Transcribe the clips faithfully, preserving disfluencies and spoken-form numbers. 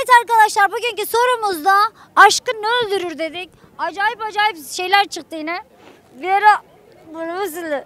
Evet arkadaşlar, bugünkü sorumuzda aşkı ne öldürür dedik. Acayip acayip şeyler çıktı yine. Bir ara bunu nasıl?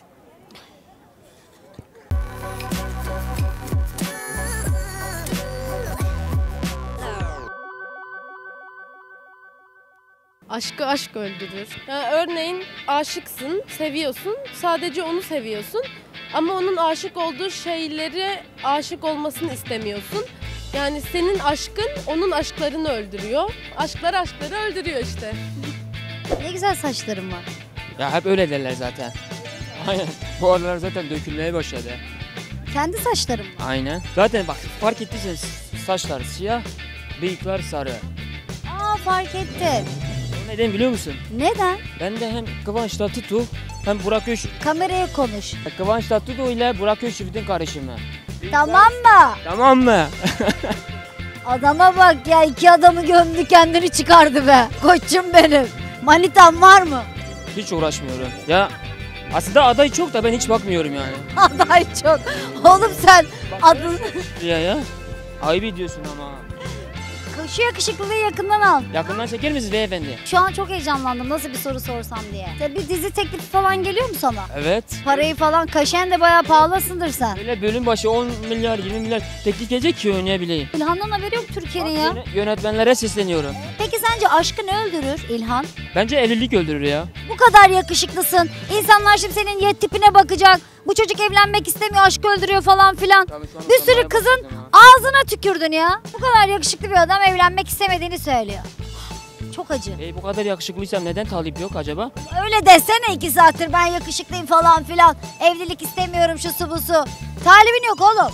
Aşkı aşk öldürür. Yani örneğin aşıksın, seviyorsun, sadece onu seviyorsun. Ama onun aşık olduğu şeylere aşık olmasını istemiyorsun. Yani senin aşkın onun aşklarını öldürüyor. Aşklar aşkları öldürüyor işte. Ne güzel saçlarım var. Ya hep öyle derler zaten. Aynen. Bu aralar zaten dökülmeye başladı. Kendi saçlarım. Aynen. Zaten bak fark ettiyseniz saçlar siyah, bıyıklar sarı. Aa, fark ettim. O neden biliyor musun? Neden? Ben de hem Kıvanç Tatlıtuğ hem Burak Öz... Kameraya konuş. Kıvanç Tatlıtuğ ile Burak Özçivit'in karışımı. Tamam mı? Tamam mı? Adama bak ya, iki adamı gömdü, kendini çıkardı be. Koçum benim. Manitan var mı? Hiç uğraşmıyorum. Ya aslında aday çok da ben hiç bakmıyorum yani. Aday çok. Oğlum sen adın... Ya ya. Ayıp ediyorsun ama. Şu yakışıklılığı yakından al. Yakından çeker misiniz beyefendi? Şu an çok heyecanlandım, nasıl bir soru sorsam diye. Sen bir dizi teklifi falan geliyor mu sana? Evet. Parayı falan, kaşen de bayağı pahalısındır sen. Böyle bölüm başı on milyar yirmi milyar teklif gelecek ki oynayabileyim. İlhan'dan haberi yok Türkiye'nin ya. Yönetmenlere sesleniyorum. Peki sence aşkı ne öldürür İlhan? Bence evlilik öldürür ya. Bu kadar yakışıklısın. İnsanlar şimdi senin yet tipine bakacak. Bu çocuk evlenmek istemiyor, aşkı öldürüyor falan filan. Bir sürü kızın ağzına tükürdün ya. Bu kadar yakışıklı bir adam evlenmek istemediğini söylüyor. Çok acı. E, bu kadar yakışıklıysam neden talip yok acaba? Öyle desene iki saattir, ben yakışıklıyım falan filan. Evlilik istemiyorum, şusu busu. Talibin yok oğlum.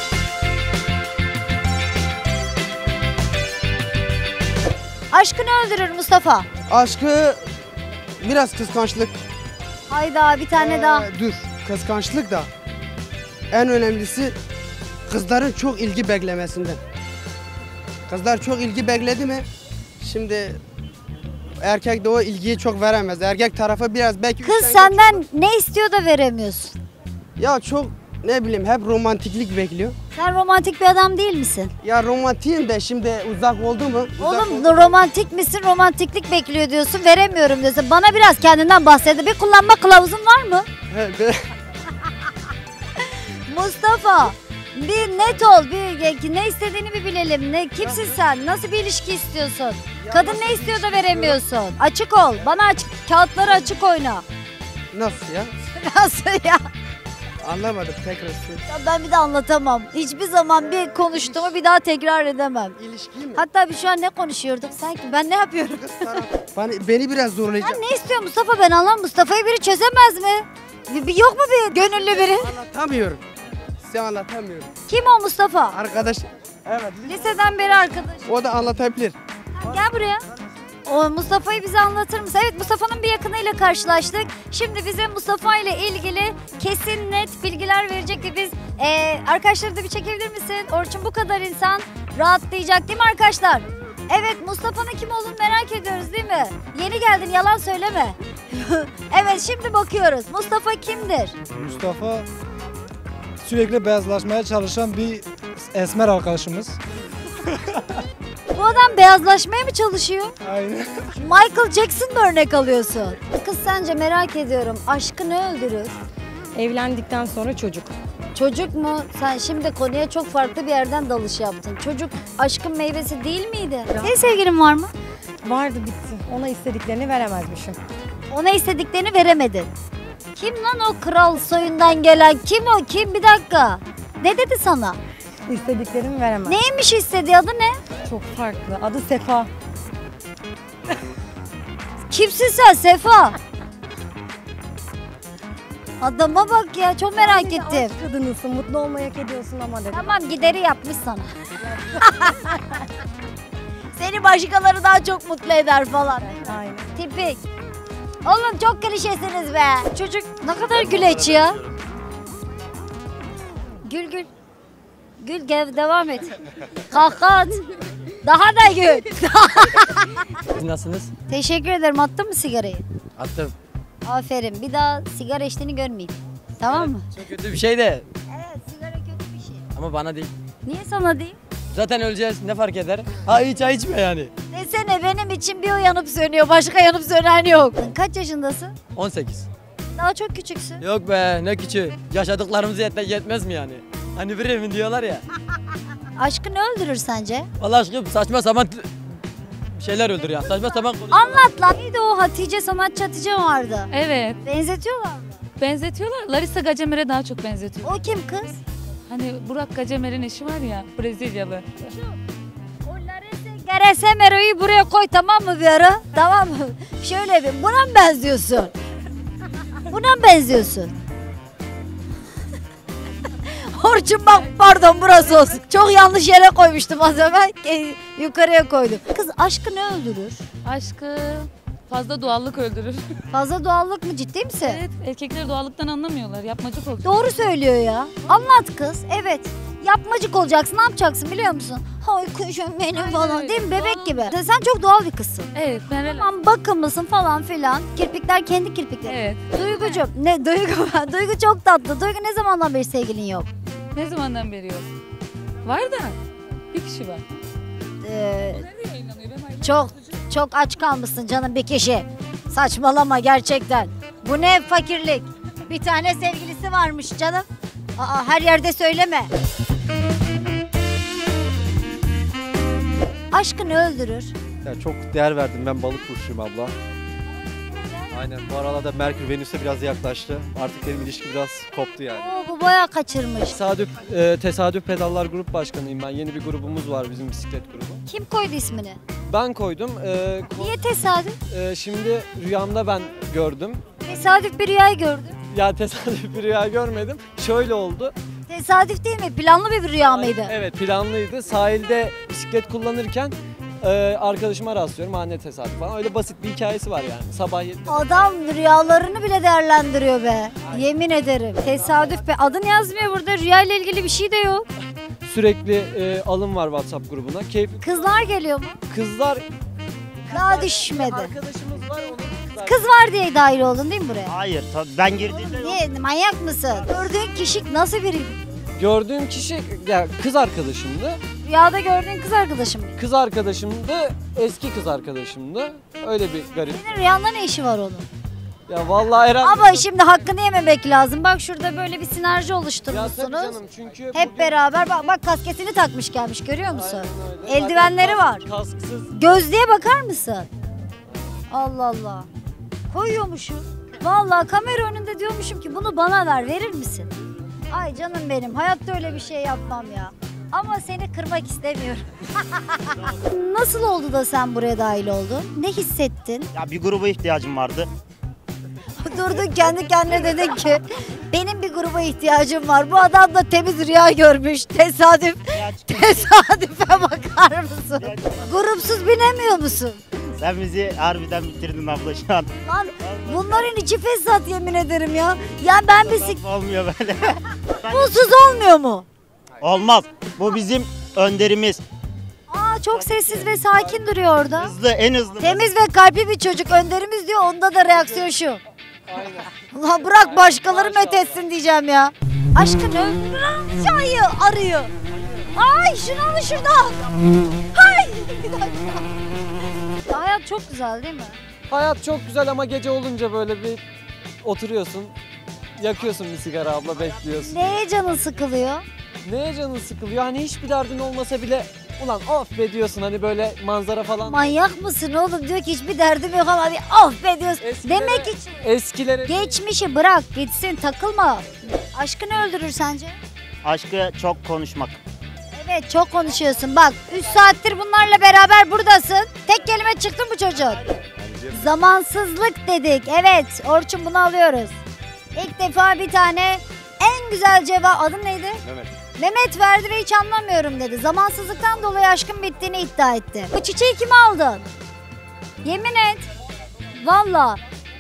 Aşkı ne öldürür Mustafa? Aşkı biraz kıskançlık. Hayda, bir tane Ee, daha. Dur, kıskançlık da en önemlisi kızların çok ilgi beklemesinden. Kızlar çok ilgi bekledi mi şimdi erkek de o ilgiyi çok veremez. Erkek tarafı biraz belki... Kız senden ne istiyor da veremiyorsun? Ya çok ne bileyim hep romantiklik bekliyor. Sen romantik bir adam değil misin? Ya romantiğim de şimdi uzak oldu mu? Uzak Oğlum oldu. romantik misin, romantiklik bekliyor diyorsun, veremiyorum diyorsun. Bana biraz kendinden bahset. Bir kullanma kılavuzun var mı? He, be- Mustafa, bir net ol, bir ne istediğini bir bilelim. Ne, kimsin sen? Nasıl bir ilişki istiyorsun? Kadın ne istiyor da veremiyorsun? Açık ol, bana açık, kağıtları açık oyna. Nasıl ya? Nasıl ya? Anlamadım tekrar. Ya ben bir de anlatamam. Hiçbir zaman bir konuştuğumu bir daha tekrar edemem. İlişki mi? Hatta biz şu an ne konuşuyorduk sanki? Ben ne yapıyorum? Beni, beni biraz zorlayacak. Sen ne istiyor Mustafa? Ben anlamam. Mustafa'yı biri çözemez mi? Bir, bir yok mu bir gönüllü biri? Anlatamıyorum. Size anlatamıyorum. Kim o Mustafa? Arkadaş, evet. Liseden beri arkadaş. O da anlatabilir. Gel buraya. O Mustafa'yı bize anlatır mısın? Evet, Mustafa'nın bir yakınıyla karşılaştık. Şimdi bize Mustafa ile ilgili kesin net bilgiler verecek ve biz ee, arkadaşları da bir çekebilir misin? Orçun, bu kadar insan rahatlayacak değil mi arkadaşlar? Evet, Mustafa'nın kim olduğunu merak ediyoruz değil mi? Yeni geldin, yalan söyleme. Evet, şimdi bakıyoruz. Mustafa kimdir? Mustafa sürekli beyazlaşmaya çalışan bir esmer arkadaşımız. Bu adam beyazlaşmaya mı çalışıyor? Aynen. Michael Jackson mı örnek alıyorsun? Kız, sence merak ediyorum, aşkı ne öldürür? Evlendikten sonra çocuk. Çocuk mu? Sen şimdi konuya çok farklı bir yerden dalış yaptın. Çocuk aşkın meyvesi değil miydi? Senin sevgilin var mı? Vardı, bitti. Ona istediklerini veremezmişim. Ona istediklerini veremedin. Kim lan o kral soyundan gelen? Kim o? Kim? Bir dakika. Ne dedi sana? İstediklerimi veremez. Neymiş istediği, adı ne? Çok farklı. Adı Sefa. Kimsin sen Sefa? Adama bak ya, çok merak ettim. Aşk kadınısın, mutlu olmayı hak ediyorsun ama dedim. Tamam, gideri yapmış sana. Seni başkaları daha çok mutlu eder falan. Aynen. Tipik. Oğlum çok klişesiniz be. Çocuk ne kadar güleç ya. Gül gül. Gül, gel devam et. Kahkaha at. Daha da gül. Siz nasılsınız? Teşekkür ederim. Attın mı sigarayı? Attım. Aferin. Bir daha sigara içtiğini görmeyeyim. Tamam mı? Çok kötü bir şey de Evet, sigara kötü bir şey. ama bana değil. Niye sana değil? Zaten öleceğiz, ne fark eder? Ha hiç çay içme yani. Desene benim için bir o yanıp sönüyor, başka yanıp sönen yok. Kaç yaşındasın? on sekiz. Daha çok küçüksün. Yok be ne küçüğü. Yaşadıklarımız yet yetmez mi yani? Hani bir evin diyorlar ya. Aşkı ne öldürür sence? Vallahi aşkım saçma sapan t- şeyler öldür ya. Saçma sapan konuşmalar. Anlat lan. Neydi o Hatice, sanatçı Hatice vardı. Evet. Benzetiyorlar mı? Benzetiyorlar. Larissa Gacemer'e daha çok benzetiyor. O kim kız? Hani Burak Gacemer'in eşi var ya, Brezilyalı. O Larissa Gacemer'i buraya koy, tamam mı bir ara? Tamam mı? Şöyle bir, buna mı benziyorsun? Buna mı benziyorsun? Orçun bak, pardon burası olsun. Çok yanlış yere koymuştum az evvel. E, yukarıya koydum. Kız aşkı ne öldürür? Aşkı fazla doğallık öldürür. Fazla doğallık mı, ciddi misin? Evet, erkekler doğallıktan anlamıyorlar. Yapmacık oluyor. Doğru söylüyor ya. Anlat kız. Evet. Yapmacık olacaksın. Ne yapacaksın biliyor musun? Hay kuşum benim Aynen falan. öyle. Değil mi? Bebek Doğal. gibi. Sen çok doğal bir kızsın. Evet, ben relax. Tamam, bakımlısın falan filan. Kirpikler kendi kirpikleri. Evet. Duygucuğum. Ne? Duygu. Duygu çok tatlı. Duygu ne zamandan beri sevgilin yok? Ne zamandan beri yok? Var da bir kişi var. Ee, Nerede yayınlanıyor? Ben ayrı- çok çok aç kalmışsın canım bir kişi. Saçmalama gerçekten. Bu ne fakirlik? Bir tane sevgilisi varmış canım. Aa, her yerde söyleme. Aşkını öldürür. Ya çok değer verdim, ben balık burçluyum abla. Aynen, bu aralarda Merkür Venüs'e biraz yaklaştı. Artık benim ilişki biraz koptu yani. Oo, bu bayağı kaçırmış. Tesadüf, e, Tesadüf Pedallar Grup Başkanıyım ben. Yeni bir grubumuz var, bizim bisiklet grubu. Kim koydu ismini? Ben koydum. E, ko- Niye tesadüf? e, şimdi rüyamda ben gördüm. Tesadüf bir rüyayı gördüm. Ya tesadüf bir rüya görmedim. Şöyle oldu. Tesadüf değil mi? Planlı bir rüya mıydı? Evet, planlıydı. Sahilde bisiklet kullanırken e, arkadaşıma rastlıyorum. Ha ne tesadüf falan. Öyle basit bir hikayesi var yani. Sabah yedide. Adam rüyalarını bile değerlendiriyor be. Yemin ederim. Tesadüf be. Adın yazmıyor burada. Rüya ile ilgili bir şey de yok. Sürekli e, alım var WhatsApp grubuna. Keyifli. Kızlar geliyor mu? Kızlar Daha düşmedi. arkadaşımız var onun kızlar. Kız var diye dahil oldun değil mi buraya? Hayır, tabii ben girdiğimde Niye? Manyak mısın? Gördüğün kişi nasıl biri? Gördüğüm kişi ya kız arkadaşımdı. Rüyada gördüğün kız arkadaşım mı? Kız arkadaşımdı, eski kız arkadaşımdı. Öyle bir garip. Senin rüyanda ne işi var onun? Ya vallahi herhalde... Ama şimdi hakkını yememek lazım. Bak şurada böyle bir sinerji Ya tabii oluşturmuşsunuz. canım çünkü Hep bugün- beraber bak, bak kasketini takmış gelmiş, görüyor musun? Aynen öyle. Eldivenleri Zaten var. kask- Kasksız. Gözlüğe bakar mısın? Allah Allah. Koyuyormuşum. Vallahi kamera önünde diyormuşum ki bunu bana ver, verir misin? Ay canım benim, hayatta öyle bir şey yapmam ya. Ama seni kırmak istemiyorum. Nasıl oldu da sen buraya dahil oldun? Ne hissettin? ya bir gruba ihtiyacım vardı. Durdun kendi kendine dedin ki benim bir gruba ihtiyacım var. Bu adam da temiz rüya görmüş. Tesadüf. Tesadüfe bakar mısın? Grupsuz binemiyor musun? Sen bizi harbiden bitirdin abla şu an. Lan bunların içi fesat yemin ederim ya. Ya ben bisik... Olmuyor böyle. Bulsuz olmuyor mu? Olmaz. Bu bizim önderimiz. Aa çok sessiz ve sakin duruyor orada. Hızlı, en hızlı. Temiz ve kalpli bir çocuk önderimiz diyor. Onda da reaksiyon şu. Ulan bırak başkaları methetsin diyeceğim ya. Aşkını öldüren çayı arıyor. Ay şunu alın şuradan. Hay. Bir dakika. Ya hayat çok güzel değil mi? Hayat çok güzel ama gece olunca böyle bir oturuyorsun. Yakıyorsun bir sigara abla, bekliyorsun. Neye canın sıkılıyor? Neye canın sıkılıyor? Hani hiçbir derdin olmasa bile ulan of be diyorsun, hani böyle manzara falan. Manyak mısın oğlum? Diyor ki hiçbir derdim yok ama bir of be diyorsun. Eskilere- Demek için Eskilere geçmişi bırak gitsin, takılma. Aşkını öldürür sence? Aşkı çok konuşmak. Evet çok konuşuyorsun. Bak üç saattir bunlarla beraber buradasın. Tek kelime çıktı mı çocuğun? Zamansızlık dedik. Evet Orçun bunu alıyoruz. İlk defa bir tane en güzel cevap, adın neydi? Mehmet. Mehmet verdi ve hiç anlamıyorum dedi. Zamansızlıktan dolayı aşkın bittiğini iddia etti. Bu çiçeği kime aldın? Yemin et. Valla.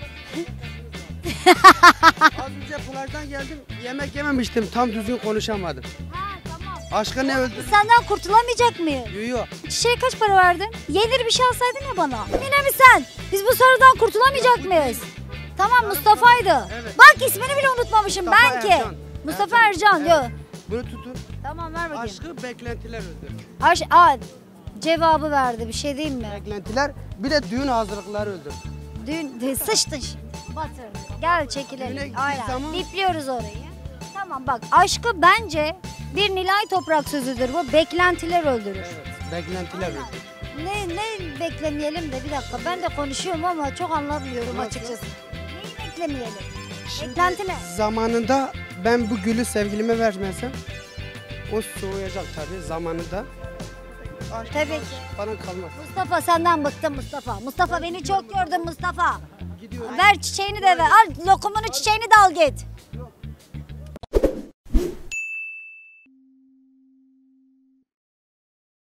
Az önce plajdan geldim, yemek yememiştim, tam düzgün konuşamadım. Ha tamam. Aşkı ne öldü? Senden kurtulamayacak mıyız? Yuyu. Çiçeğe kaç para verdin? Yenir bir şey alsaydın ya bana. Yine mi sen? Biz bu sorudan kurtulamayacak mıyız? Tamam Mustafa'ydı. Evet. Bak ismini bile unutmamışım Mustafa ben ki. Ercan. Mustafa Ercan. Evet. Yok. Bunu tutun. Tamam ver bakayım. Aşkı beklentiler öldürür. Aş Aa, cevabı verdi bir şey diyeyim mi? Beklentiler bir de düğün hazırlıkları öldürür. Dün de sıçtın şimdi. Batır. Gel Düğüne çekilelim. gittiği Aynen. zaman- Bipliyoruz orayı. Tamam bak aşkı bence bir Nilay Toprak sözüdür bu. Beklentiler öldürür. Beklentiler öldürür. Ne ne beklemeyelim de bir dakika ben de konuşuyorum ama çok anlamıyorum Nasıl? açıkçası. Neyi beklemeyelim? Şimdi Beklenti ne? Zamanında ben bu gülü sevgilime vermezsem o soğuyacak tabii zamanında. Aşk Tabii aşk ki. falan kalmaz. Mustafa senden bıktım Mustafa. Mustafa beni çok gördün Mustafa. Gidiyorum. Ver çiçeğini de ver. Al lokumunu çiçeğini de al git.